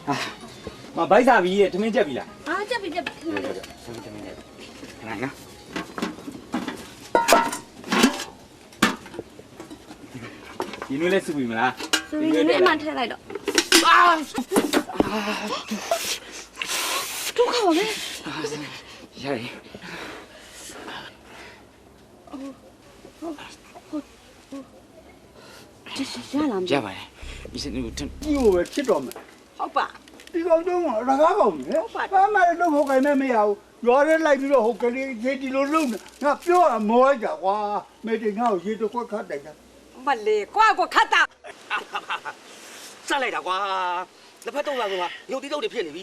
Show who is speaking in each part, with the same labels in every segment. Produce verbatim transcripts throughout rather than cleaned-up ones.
Speaker 1: မဘိုက်စာပြီးရဲ့ထမင်းချက်ပြီလား
Speaker 2: 啊，这边这边。
Speaker 1: ထမင်းထမင်းနဲ့ခဏနော်ဒီနွေးလေးစုပြီမလား
Speaker 2: 所以你蛮太来了。啊！都好嘞。
Speaker 1: ရတယ်
Speaker 2: 这是啥了？
Speaker 1: ရပါတယ်ဒီစနေကို
Speaker 3: ဒီကိုပဲဖြစ်တော့မယ်
Speaker 2: 好吧。
Speaker 3: ဒီကောင်တော့ရကားကောင်းတယ်ဘာမှလည်းတော့ဟုတ်ကိုင်းမရဘူးရွာထဲလိုက်ပြီးတော့ဟုတ်ကလေးရေဒီလိုလုံးငါပြောရမောလိုက်တာကွာမေတင်ငါ့ကိုရေတစ်ခွက်ခတ်တယ်က
Speaker 2: မလေးကွာကွာခတ်တာ
Speaker 4: စလိုက်တာကွာလက်ဖက်တော့လာကွာရုပ်တိတုပ်တွေဖြစ်နေပြီ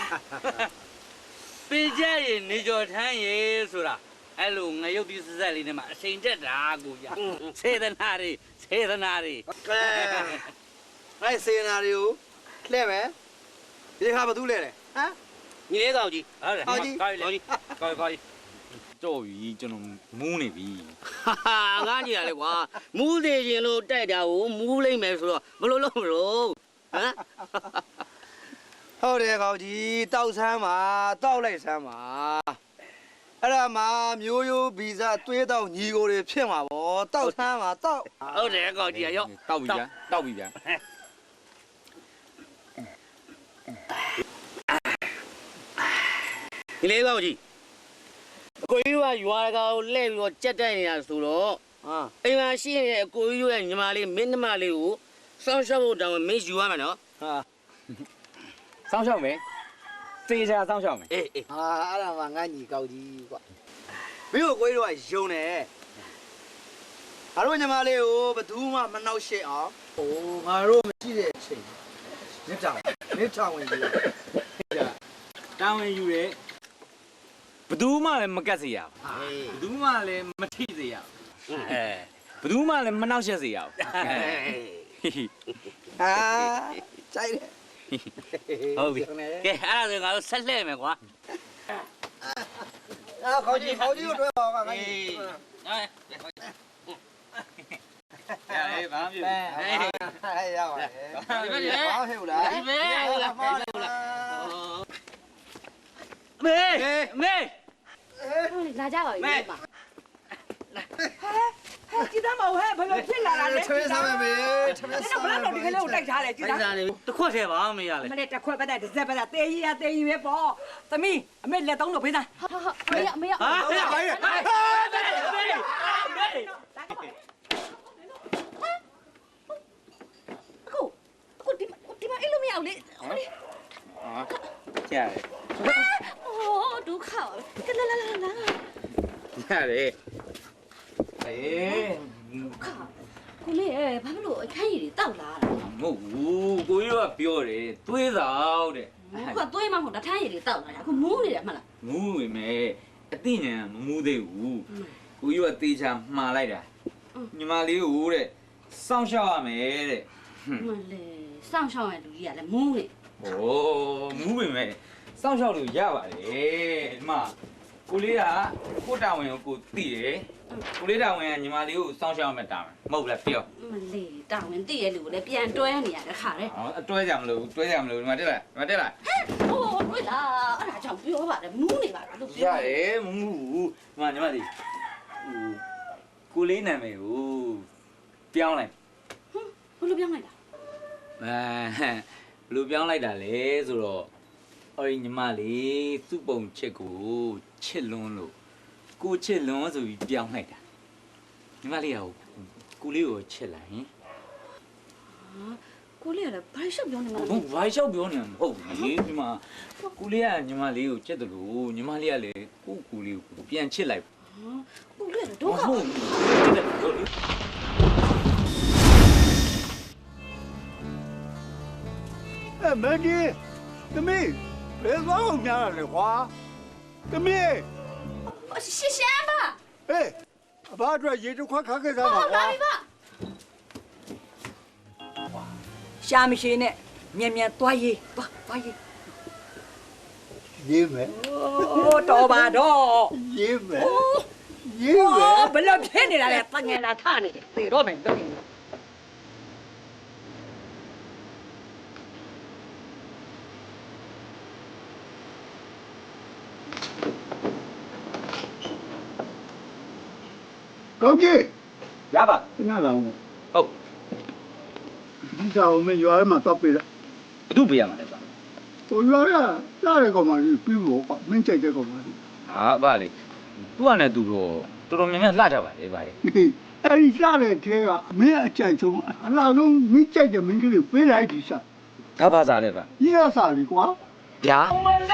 Speaker 5: ပေးကြရင်နေကြော်ထမ်းရေဆိုတာအဲ့လိုငရုတ်တိစက်လေးနဲ့မှအစိန်တက်တာကိုရစေတနာတွေစေတနာတွေ
Speaker 4: ကဲအဲ့စေနာတွေကိုလှဲ့မယ်ဒီခါဘာသူလဲလဲဟမ်ညီလေးကောင်ကြီး
Speaker 5: ဟုတ်တယ်
Speaker 4: ဟောကြီး
Speaker 5: ကောင်းပြီကောင်းပြီကောင်းပြီကြော့ပြီကျွန်တော်မူးနေပြီ
Speaker 4: ဟာငါညီရလေကွာမူးသေးခြင်းလို့တိုက်တာကိုမူးလိုက်မယ်ဆိုတော့ဘလို့လို့မလို့ဟမ်ဟုတ်တယ်ကောင်ကြီးတောက်ဆမ်းပါတောက်လိုက်ဆမ်းပါအဲ့ဒါမှမျိုးရိုးဗီဇသွေးတောက်ညီကိုတွေဖြစ်မှာဗောတောက်ဆမ်းပါတောက်
Speaker 5: ဟုတ်တယ်ကောင်းကြီးရော့
Speaker 1: တောက်ပြီဗျာတောက်ပြီဗျာ
Speaker 4: ဒီလေးကောင်ကြီးအကိုကြီးကရွာကောင်လှည့်ပြီးတော့ကြက်တိုက်နေတာဆိုတော့ဟာအိမ်မှာရှိနေတဲ့အကိုကြီးရဲ့ညီမလေးမင်းနှမလေးကိုစောင်းရှောက်ဖို့တောင်းမင်းယူရမယ်နော်ဟာ
Speaker 1: စောင်းရှောက်မယ်သေချာစောင်းရှောက်မယ်
Speaker 4: အေးအေးဟာအဲ့ဒါမှငါညီကောက်ကြီးကွာမင်းတို့ကိုကြီးတို့ကယုံတယ်ငါတို့ညီမလေးကိုဘယ်သူမှမနှောက်ရှက်အောင်ဟိုငါတို့မရှိတဲ့အချိန်မြစ်ကြောင်မြစ်ချောင်ဝင်ကြီး
Speaker 1: တာဝန်ယူရဲဘယ်သူမှလည်းမကတ်စေရဘူးဘယ်သူမှလည်းမထိစေရဘူးအဲဘယ်သူမှလည်းမနှောက်ယှက်စေရဘူး
Speaker 4: ဟာကြိုက်တယ်
Speaker 5: ဟုတ်ပြီကဲအဲ့ဒါဆိုငါတို့ဆက်လှည့်မယ်ကွာ
Speaker 4: အာခေါင်းကြီးခေါင်းကြီးတို့တွဲပါကငါကြီး
Speaker 5: ရတယ်ဘာမှမဖြစ်
Speaker 4: ဟေးရပါတယ်ဘာဟဲ့လား
Speaker 5: ဒီပဲဟုတ်လားဟုတ်လားမေမေ
Speaker 2: လာကြပါဦးမေမ
Speaker 6: ဟဲ့ကြည်သားမဟုတ်ဟဲ့ဘယ်လိုဖြစ်လာတာလဲ
Speaker 4: ထွေးစားမယ်မေထွေး
Speaker 6: နင်
Speaker 4: စား
Speaker 6: တို့ဘယ်တော့ဒီကလေးကိုတိုက်ထားလဲကြည်
Speaker 5: အဲ့
Speaker 6: သား
Speaker 5: ဒါလေးတစ်ခွက်ထဲပါမရလေ
Speaker 6: မလေးတစ်ခွက်ပတ်တဲ့တစ်စက်ပတ်တဲ့တေးကြီးရတေးကြီးပဲပေါ့သမီးအမေလက်သုံးလို့ဖေးသား
Speaker 2: 好好好，没有没有。
Speaker 5: ဟာမေမေမေ
Speaker 2: ကိုကိုဒီဒီမှာအဲ့လိုမရဘူးလေဟိုလေ
Speaker 1: ကြား
Speaker 2: 哦ဒုက္ခကလာလာလာလာ
Speaker 1: ရတယ်အေး
Speaker 2: ခါကိုလေဘာလို့အခန်းကြီးတွေတောက်လာတာ
Speaker 1: မဟုတ်ဘူးကိုကြီးကပြောတယ်သွေးဆောင်တဲ့
Speaker 2: ခုကသွေးမဟုတ်တာထမ်းရည်တွေတောက်လာတာအခုမူးနေတယ်မှလား
Speaker 1: မူးဝင်မယ်အသိဉာဏ်မမူးသေးဘူးကိုကြီးကတေချာမှားလိုက်တာညီမလေးကိုတဲ့စောင့်ရှောက်ရမယ်တဲ့
Speaker 2: မလေးစောင့်ရှောက်ရလူကြီးကလည်းမူးနေ
Speaker 1: โอ้မူးဝင်မယ်စောင့်ရှောက်လို့ရပါတယ်ဒီမှာကိုလေးကကိုတာဝန်ကိုကိုသိတယ်ကိုလေးတာဝန်ကညီမလေးကိုစောင့်ရှောက်ရမယ်တာမဟုတ်လားပြော
Speaker 2: မလေးတာဝန်တည့်ရလူကိုလည်းပြန်တွဲနေရတဲ့ခါတဲ့
Speaker 1: ဟောအတွဲကြမလို့တွဲကြမလို့ဒီမှာတက်လာဒီမှာတက်လာ
Speaker 2: ဟိုတွဲလာအဲ့ဒါကြောင့်ပြောပါတယ်မူးနေပါလားလို့
Speaker 1: ရတယ်မမူးဘူးဒီမှာညီမလေးဟိုကိုလေးနာမည်ကိုပြောင်းလိုက်
Speaker 2: ဘယ်လိုပြောင်းလိုက်တာ
Speaker 1: အဲဘယ်လိုပြောင်းလိုက်တာလဲဆိုတော့အော်ညီမလေးသူ့ပုံချစ်ကိုချစ်လွန်းလို့ကိုချစ်လွန်းဆိုပြီးပြောင်းလိုက်တာညီမလေးကကိုလေးကိုချစ်လိုက်ဟင်
Speaker 2: ကိုလေးကလည်းဘာရှောက်ပြောနေမှာ
Speaker 1: ဘုံဘာလျှောက်ပြောနေမှာမဟုတ်ဘူးဒီမှာကိုလေးကညီမလေးကိုချစ်တယ်လို့ညီမလေးကလည်းကိုကိုလေးကိုပြန်ချစ်လိုက်
Speaker 2: ကိုလေးကဒုက္ခ
Speaker 1: ဟုတ်ချစ်တယ်လို့လေ
Speaker 3: အဲမင်းကြီးသမီးဘယ်သွားအောင်များလဲကွာသမီး
Speaker 2: ရှင်းရှင်းပါ
Speaker 3: ဟေးအဘအတွက်ရေတစ်ခွက်ခတ်ခဲ့သားပါ
Speaker 2: ဟုတ်
Speaker 3: ကွာ
Speaker 2: လာပြီပါ
Speaker 6: ရှာမရှိနဲ့မြန်မြန်သွားရေးသွားသွားရေး
Speaker 3: ရေးမယ်
Speaker 6: အိုးတော်ပါတော့
Speaker 3: ရေးမယ်ရေးမယ်
Speaker 6: အော်ဘယ်လိုဖြစ်နေတာလဲတငယ်လာထနေတယ်သေတော့မယ်တော့
Speaker 3: ဟကောင်းကြီး
Speaker 1: ရပါ
Speaker 3: ငါလာအောင်
Speaker 1: ဟုတ်
Speaker 3: ဒီကောင်မရွာမှာတော့ပြေးလား
Speaker 1: ဘသူပေးရမှာလဲဗျာ
Speaker 3: ဟိုရွာရလာတဲ့ကောင်မလေးပြီးဖို့ကမင်းကြိုက်တဲ့ကောင်မလေး
Speaker 1: ဟာဗာလေသူကလည်းသူတော့တော်တော်များများလှကြပါလေဗာလေ
Speaker 3: အဲ့ဒီလာတဲ့ထဲကမင်းအကြိုက်ဆုံးအလားဆုံးမင်းကြိုက်တဲ့မင်းကလေးပေးလိုက်ဒီစား
Speaker 1: ဒါဘာသာလဲဗာ
Speaker 3: ကြီးရစားလीကွာ
Speaker 1: ဗျာ
Speaker 6: ဘယ်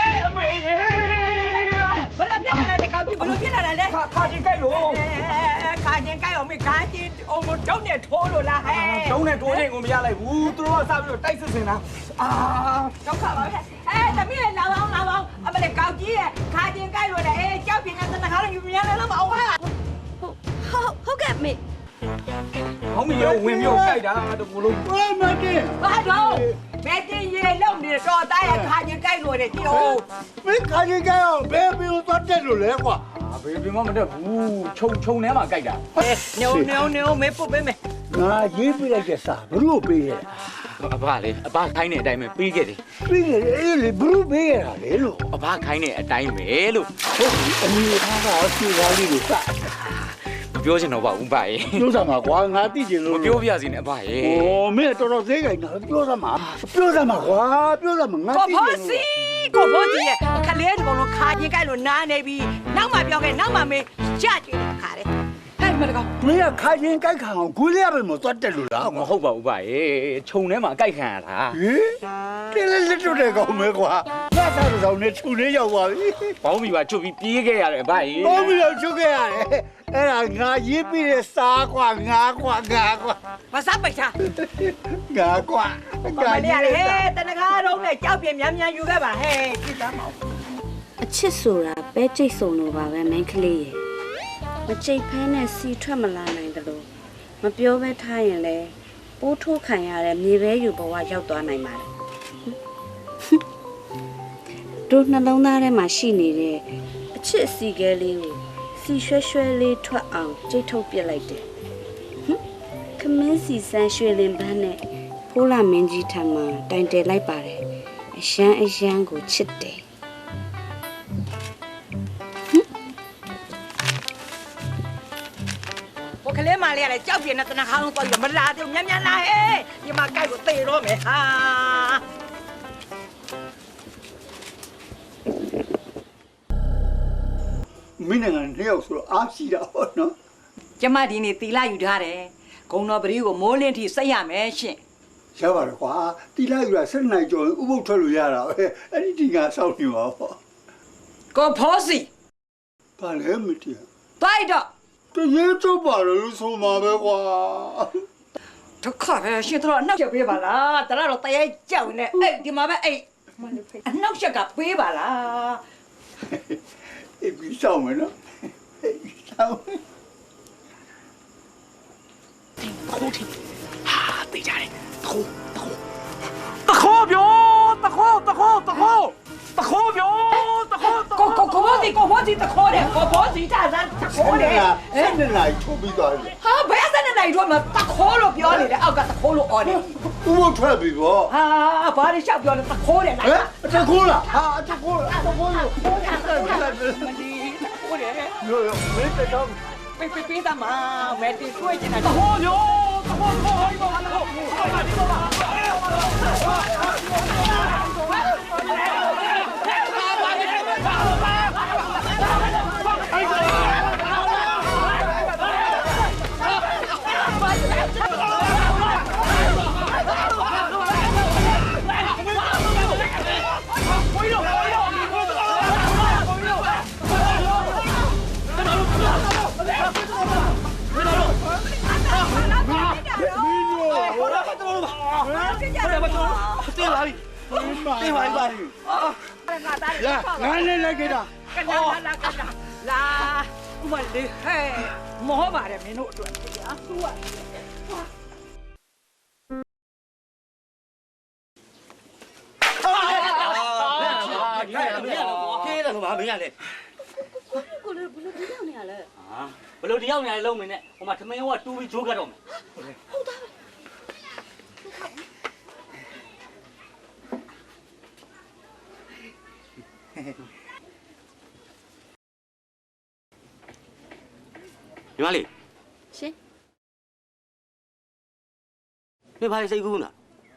Speaker 6: လိုပြလာလဲကောင်းပြီဘယ်လိုပြလာလဲခါခါချင်းကြိုက်လို့ခါချင်းကြိုက်အောင်မခါချင်းအောင်မတုံးနဲ့ထိုးလို့လားဟဲ့
Speaker 4: တုံးနဲ့တိုးချင်းကိုမရလိုက်ဘူးသူတို့ကစပြီးတော့တိုက်စစ်စင်တာ
Speaker 6: အာဒုက္ခပါပဲအဲသမီးလည်းလာအောင်လာအောင်အမလေးကောင်းကြီးရဲ့ခါချင်းကြိုက်လို့လေအဲကြောက်ပြင်းတဲ့တနခါလည်းယူမြန်လည်းမအောင်ဟာ
Speaker 2: ဟုတ်ဟုတ်ကဲ့မေ
Speaker 4: ဟောင်းမီရောဝင်မျိုးကြိုက်တာတကူလုံး
Speaker 3: ဝဲမတင်
Speaker 6: ဘာတော့မဲတင်ရေလုံးနေတော့တားရဲ့ခါချင်းကြိုက်လို့လေကြည့်အောင်
Speaker 3: မင်းခါကြီးကြောင်ဘယ်ပြီးတော့တက်လို့လဲကွာ
Speaker 4: အာဘေးဘီမမတက်ဘူးခြုံခြုံထဲမှာကြိုက်တာ
Speaker 6: ညိုညိုညိုမဲပုတ်ပေးမယ်
Speaker 3: ငါရေးပြလိုက်တဲ့စာဘလို့ပေးရ
Speaker 1: အဘလေအဘခိုင်းတဲ့အတိုင်းပဲပြီးခဲ့တယ်
Speaker 3: ပြီးရအေးလေဘလို့ပေးရတာလေလို့
Speaker 1: အဘခိုင်းတဲ့အတိုင်းပဲလို့
Speaker 3: ဟုတ်ပြီအမေသားကစီကားလေးကိုစ
Speaker 1: မပြောချင်တော့ပါဘူးဗာရေ
Speaker 3: ပြောစမ်းပါကွာငါသိချင်
Speaker 1: မ
Speaker 3: လို့
Speaker 1: ပြောပြစီနဲ့အဘရေ
Speaker 3: โอ้မင်းတော်တော်သေးကြတာပြောစမ်းပါပြောစမ်းပါကွာပြောစမ်းပါငါ
Speaker 6: ကို
Speaker 3: သိ
Speaker 6: ဖိုး
Speaker 3: ချင်
Speaker 6: စီကိုဖိုးစီရဲ့ခလေးတကောင်လုံးခါချင်းကြိုက်လို့နားနေပြီနောက်မှပြောခဲ့နောက်မှမေးကြကြည့်တဲ့ခါတဲ့ဟဲ့မတကောင်
Speaker 3: မင်းကခါချင်းကြိုက်ခံအောင်ဂူးလေးရပဲမသွားတက်လို့လား
Speaker 1: မဟုတ်ပါဘူးဗာရေခြုံထဲမှာအကြိုက်ခံရတာ
Speaker 3: ဟေးတင်းလေးလက်တွေ့တဲ့ကောင်မဲကွာငါသားတော်နဲ့ခြုံလေးရောက်ပါပြီ
Speaker 1: ဘောင်းမီပါချွတ်ပြီးပြေးခဲ့ရတယ်ဗာရေ
Speaker 3: ဘောမီတော့ချုပ်ခဲ့ရတယ်အဲ့ဒါငါရေးပြီးတဲ့စားကွာငါကွာငါကွာ
Speaker 6: မစားပိတ်ချာ
Speaker 3: ငါကွာ
Speaker 6: မလေးရလေဟဲ့တနကားတော့နဲ့ကြောက်ပြင်းများများယူခဲ့ပါဟဲ့ကြည့်သားမအောင်
Speaker 2: အချစ်ဆိုတာပဲကြိတ်ဆုံလို့ပါပဲမင်းကလေးရဲ့မကြိတ်ဖဲနဲ့စီထွက်မလာနိုင်တယ်လို့မပြောဘဲထားရင်လေပိုးထိုးခံရတဲ့မြေပဲယူဘဝရောက်သွားနိုင်ပါတယ်တို့နှလုံးသားထဲမှာရှိနေတဲ့အချစ်အစီကဲလေးကိုစီရွှဲရွှဲလေးထွက်အောင်ကြိတ်ထုတ်ပစ်လိုက်တယ်ခမင်းစီဆန်းရွှေလင်ပန်းနဲ့ဖိုးလာမင်းကြီးထံမှာတိုင်တယ်လိုက်ပါတယ်အရန်အရန်ကိုချစ်တယ်
Speaker 6: ဘိုကလေးမလေးရလေကြောက်ပြင်းတဲ့တနကားလုံးတော့ယူမလာသေးများများလာဟဲ့ဒီမှာကြိုက်ကိုသေတော့မယ်ဟာ
Speaker 3: မင်းနိုင်ငံတယောက်ဆိုတော့အားရှိတာဟောနော်
Speaker 6: ကျမဒီနေ့တီလာယူထားတယ်ဂုံတော်ပရိကိုမိုးလင်းထိစိတ်ရမယ်ရှင်
Speaker 3: ရပါတယ်ကွာတီလာယူတာဆက်နိုင်ကြော်ဥပုပ်ထွက်လို့ရတာပဲအဲ့ဒီဒီကစောက်နေပါပေါ့
Speaker 6: ကိုဖိုးစီ
Speaker 3: ဘာလဲမတည်
Speaker 6: တိုက်တော့
Speaker 3: တရေတော့ပါလို့ဆိုမှာပဲကွာ
Speaker 6: ဒုက္ခပဲရှင်တို့အနှောက်ရက်ပေးပါလားတရတော့တရေကြောက်နေအဲ့ဒီမှာပဲအဲ့အနှောက်ရက်ကပေးပါလား
Speaker 3: အေးပြီးဆောင်မယ်နော်ဆောင်
Speaker 1: ခိုးထီဟာတေးကြတယ်ခိုးခိုး
Speaker 4: တခေါ်ပြောတခေါ်တခေါ်တခေါ်တခေါ်ပြောတခေါ်
Speaker 6: ကိုကိုကိုဖိုးစီကိုဖိုးစီတခေါ်တယ်ကိုဖိုးစီတာစမ်းတခေါ်တယ်
Speaker 3: ဆက်နေလိုက်ထုတ်ပြီးသွားတယ်
Speaker 6: ဟာဘယ်စနေနိုင်တော့မတခေါ်လို့ပြောနေတယ်အောက်ကတခေါ်လို့អော်တယ်
Speaker 3: ဥပုပ်ထွက်ပြီပေါ့
Speaker 6: ဟာဘာလို့ရှောက်ပြောလဲတခေါ်တယ်လား
Speaker 3: ဟဲ့အတကူလားဟာအတကူလားအတကူလို့
Speaker 6: မလီတခေါ်တယ်
Speaker 3: ရိုးရိုးမင်းတက်တော့
Speaker 6: ပေးပေးပေးသားမမဲတီတွေ့ချင်တာ
Speaker 4: တခေါ်ပြောတခေါ်တခေါ်ဟိုင်းပါတခေါ်ဟိုင်းပါဒီတော့ပါ
Speaker 3: တင်ပါပြီတင်ပါပြီ
Speaker 6: ငါသား
Speaker 3: လာငါလည်းလိုက်ခဲ့တာ
Speaker 6: ကလာလာကလာလာဥမလေးဟဲ့မောပါတယ်မင်းတို့အတွက်အာသူက
Speaker 5: ခေးတယ်ဆိုပါမင်းရလေ
Speaker 2: ကိုလည်းဘယ်လိုပြောနေရလဲ
Speaker 5: ဟာဘယ်လိုတယောက်နေလုံးမင်းနဲ့ဟိုမှာသမင်းဟိုကတူးပြီးဂျိုးကတ်တော့မယ် ညီမလေး
Speaker 2: ရှင်
Speaker 7: 你怕谁哭呢？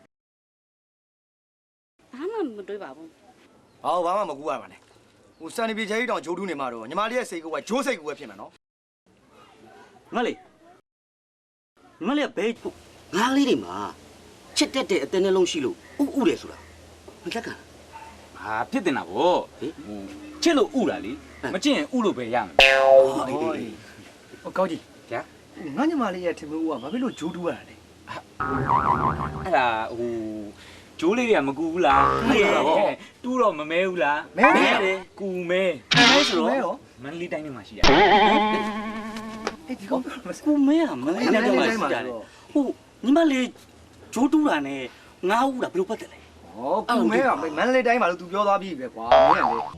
Speaker 2: ဘာမှမတွေးပါဘူး
Speaker 4: ဟောဘာမှမကူရပါနဲ့ဟိုစံနေပြေချဲကြီးတောင်ဂျိုးတူးနေမှာတော့ညီမလေးရဲ့စိတ်ကူကဂျိုးစိတ်ကူပဲဖြစ်မှာနော်
Speaker 7: မလေးမလေးဘဲငါးလေးတွေမှာချစ်တတ်တဲ့အတင်းနှလုံးရှိလို့ဥဥတယ်ဆိုတာမလက်ကလား
Speaker 1: ဟာဖြစ်တင်တာဗောဟိုချစ်လို့ဥတာလေမချစ်ရင်ဥလို့ပဲရမယ်
Speaker 4: ဟောဟိုကောင်းကြီး
Speaker 1: ဗျာ
Speaker 4: ငါညီမလေးရဲ့ထင်မှုကဘာဖြစ်လို့ဂျိုးတူးရတာလဲ
Speaker 1: အဲ့ဒါဟိုကျိုးလေးတွေကမကူဘူးလားတူးတော့မမဲဘူးလား
Speaker 4: မဲမဲလေ
Speaker 1: ကူမဲ
Speaker 7: မဲဆို
Speaker 4: မဲ
Speaker 7: တော့
Speaker 4: ရော
Speaker 1: မန္တလေးတိုင်းထဲမှာရှိရ
Speaker 4: အဲ့ဒီကောင်
Speaker 7: ကိုမဲကမလေးတိုင်းမှာရှိကြတယ်ဟုတ်ညီမလေးဂျိုးတူးတာနဲ့ငါးဦးတာဘယ်လိုပတ်တယ်လဲ
Speaker 4: ဟောကူမဲကမန္တလေးတိုင်းမှာလို့ तू ပြောသွားပြီပဲကွာမင်းကလေ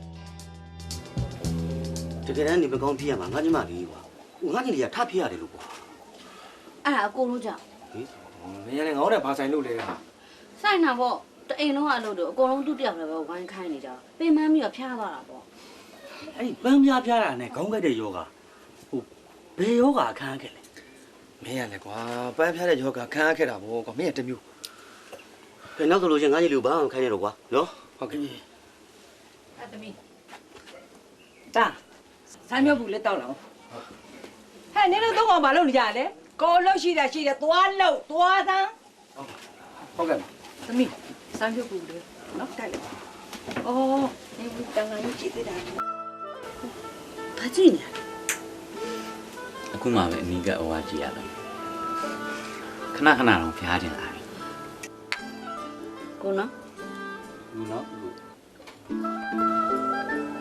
Speaker 7: တကယ်တမ်းနေမကောင်းဖြစ်ရမှာငါညီမလေးကွာဟိုငါညီလေးကထဖြစ်ရတယ်လို့ကွာ
Speaker 2: အဲ့ဒါအကုန်လုံးကြောင့်
Speaker 4: မင်းကလည်းငေါ့တဲ့ဘာဆိုင်လို့လဲဟာ
Speaker 2: ဆိုင်တာပေါ့တအိမ်လုံးကအလုပ်တော့အကုန်လုံးသူ့တယောက်လည်းပဲဝိုင်းခိုင်းနေကြပင်မပြီးတော့ဖျားသွားတာပေါ့
Speaker 7: အဲ့ဒီပန်းပြားပြားတာနဲ့ခေါင်းကိုက်တဲ့ယောဂဟိုဘယ်ယောဂအခန်းခဲ့လဲ
Speaker 4: မင်းကလည်းကွာပန်းဖျားတဲ့ယောဂခံရခဲ့တာဗောကွာမင်းကတမျိုး
Speaker 7: ကဲနောက်ဆိုလို့ချင်းငါညီလေးကိုဘာမှခိုင်းရတော့ကွာနော်
Speaker 4: ဟုတ်ကဲ့
Speaker 6: အသမီးတာဆိုင်မြုပ်ဘူးလက်တောက်လာအောင်ဟဲ့နင်တို့တော့ဘာလုပ်နေကြလဲကိုလှုပ်ရှိတာရှိတယ်သွားလှုပ်သွားသမ်း
Speaker 4: ဟုတ်ကဲ့
Speaker 6: သမီးဆိုင်မြုပ်ဘူးလေနော်တိုက်လိုက်အော်ဒီတန်ငါကြီးကြည့်သေးတာ
Speaker 2: ဘာကြည့်နေလဲ
Speaker 1: အခုမှပဲအနီးကဟိုဟာကြည့်ရတော့ခဏခဏတော့ဖျားတင်လာပြီ
Speaker 2: ကိုနော်
Speaker 1: ဘူးနော်